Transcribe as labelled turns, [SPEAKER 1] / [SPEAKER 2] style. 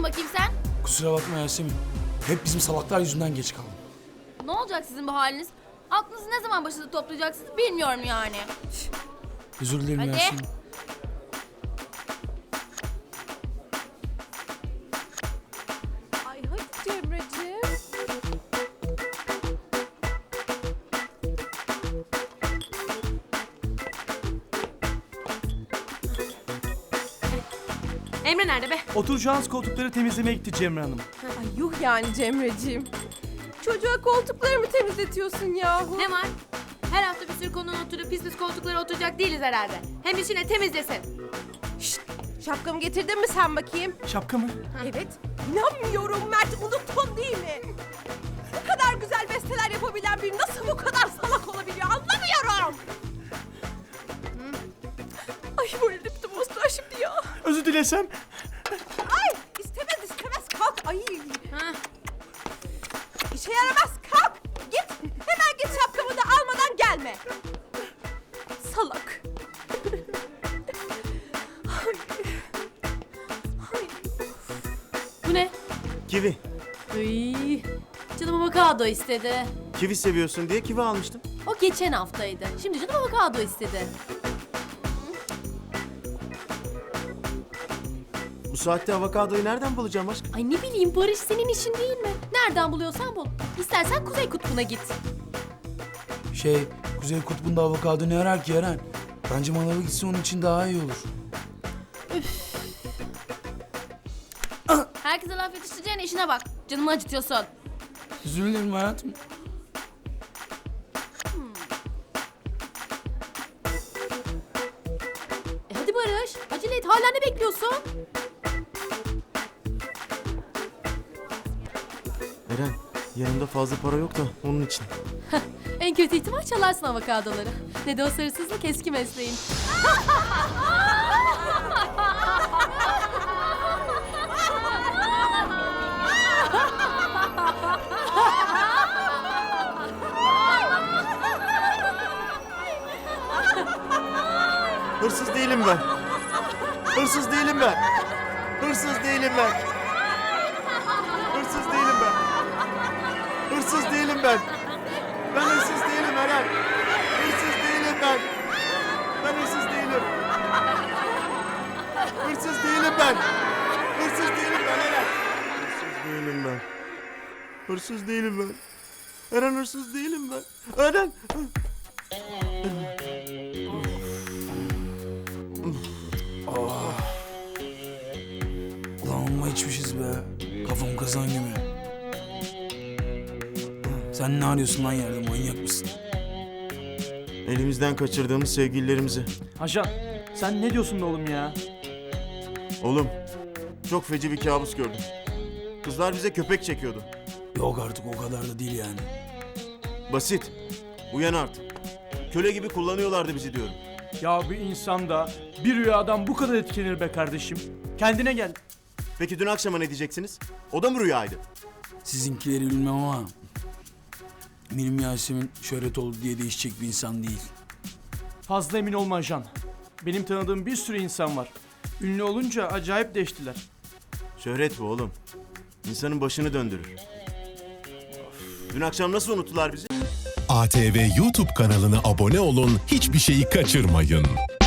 [SPEAKER 1] bakayım sen?
[SPEAKER 2] Kusura bakma Yasemin. Hep bizim salaklar yüzünden geç kaldım.
[SPEAKER 1] Ne olacak sizin bu haliniz? Aklınızı ne zaman başınıza toplayacaksınız bilmiyorum yani.
[SPEAKER 2] Özür dilerim
[SPEAKER 1] Hadi.
[SPEAKER 2] Yasemin.
[SPEAKER 3] Ay hadi Cemre'ciğim.
[SPEAKER 4] Emre nerede be?
[SPEAKER 5] Oturacağınız koltukları temizlemeye gitti Cemre Hanım.
[SPEAKER 3] Ay yuh yani Cemre'ciğim. Çocuğa koltuklarımı temizletiyorsun yahu.
[SPEAKER 4] Ne var? Her hafta bir sürü konunun oturup pis pis koltuklara oturacak değiliz herhalde. Hem işine temizlesin.
[SPEAKER 3] Şşt, şapkamı getirdin mi sen bakayım?
[SPEAKER 5] Şapka mı?
[SPEAKER 3] Evet. İnanmıyorum Mert, unuttun değil mi? Bu kadar güzel besteler yapabilen biri nasıl bu kadar salak olabiliyor anlamıyorum. Ay bu elim de bozdular şimdi ya.
[SPEAKER 5] Özür dilesem.
[SPEAKER 3] Ay istemez kalk. Ay
[SPEAKER 4] Ha.
[SPEAKER 3] işe yaramaz kalk. Git hemen git şapkamı da almadan gelme. Salak.
[SPEAKER 4] Bu ne?
[SPEAKER 6] Kivi.
[SPEAKER 4] Iy. Canım avokado istedi.
[SPEAKER 6] Kivi seviyorsun diye kivi almıştım.
[SPEAKER 4] O geçen haftaydı. Şimdi canım avokado istedi.
[SPEAKER 6] Bu saatte avokadoyu nereden bulacağım aşkım?
[SPEAKER 4] Ay ne bileyim Barış senin işin değil mi? Nereden buluyorsan bul. İstersen Kuzey Kutbu'na git.
[SPEAKER 2] Kuzey Kutbu'nda avokado ne arar ki Eren? Bence manava gitse onun için daha iyi olur.
[SPEAKER 1] Herkese laf yetiştireceğine işine bak. Canımı acıtıyorsun.
[SPEAKER 2] Özür dilerim hayatım.
[SPEAKER 4] Hadi Barış acele et hala ne bekliyorsun?
[SPEAKER 6] Eren, yanımda fazla para yok da onun için.
[SPEAKER 4] En kötü ihtimal çalarsın avokadoları. Ne de o hırsızlık eski mesleğin.
[SPEAKER 6] Hırsız değilim ben. Hırsız değilim ben. Hırsız değilim ben. Hırsız değilim ben. Hırsız değilim ben. Ben hırsız değilim Eren. Hırsız değilim ben. Ben hırsız değilim. Hırsız değilim ben. Hırsız değilim ben Eren. Hırsız değilim ben. Hırsız değilim ben. Eren hırsız değilim ben. Eren.
[SPEAKER 2] Ulan amma içmişiz be. Kafam kazan gibi. Sen ne arıyorsun lan yerde, manyak mısın?
[SPEAKER 6] Elimizden kaçırdığımız sevgililerimizi.
[SPEAKER 5] Ajan sen ne diyorsun be oğlum ya?
[SPEAKER 6] Oğlum, çok feci bir kabus gördüm. Kızlar bize köpek çekiyordu.
[SPEAKER 2] Yok artık o kadar da değil yani.
[SPEAKER 6] Basit. Uyan artık. Köle gibi kullanıyorlardı bizi diyorum.
[SPEAKER 5] Ya bir insan da bir rüyadan bu kadar etkilenir be kardeşim. Kendine gel.
[SPEAKER 6] Peki dün akşama ne diyeceksiniz? O da mı rüyaydı?
[SPEAKER 2] Sizinkileri bilmem ama... Benim Yasemin şöhret oldu diye değişecek bir insan değil.
[SPEAKER 5] Fazla emin olma ajan. Benim tanıdığım bir sürü insan var. Ünlü olunca acayip değiştiler.
[SPEAKER 6] Şöhret bu oğlum. İnsanın başını döndürür. Dün akşam nasıl unuttular bizi?
[SPEAKER 7] ATV YouTube kanalına abone olun, hiçbir şeyi kaçırmayın.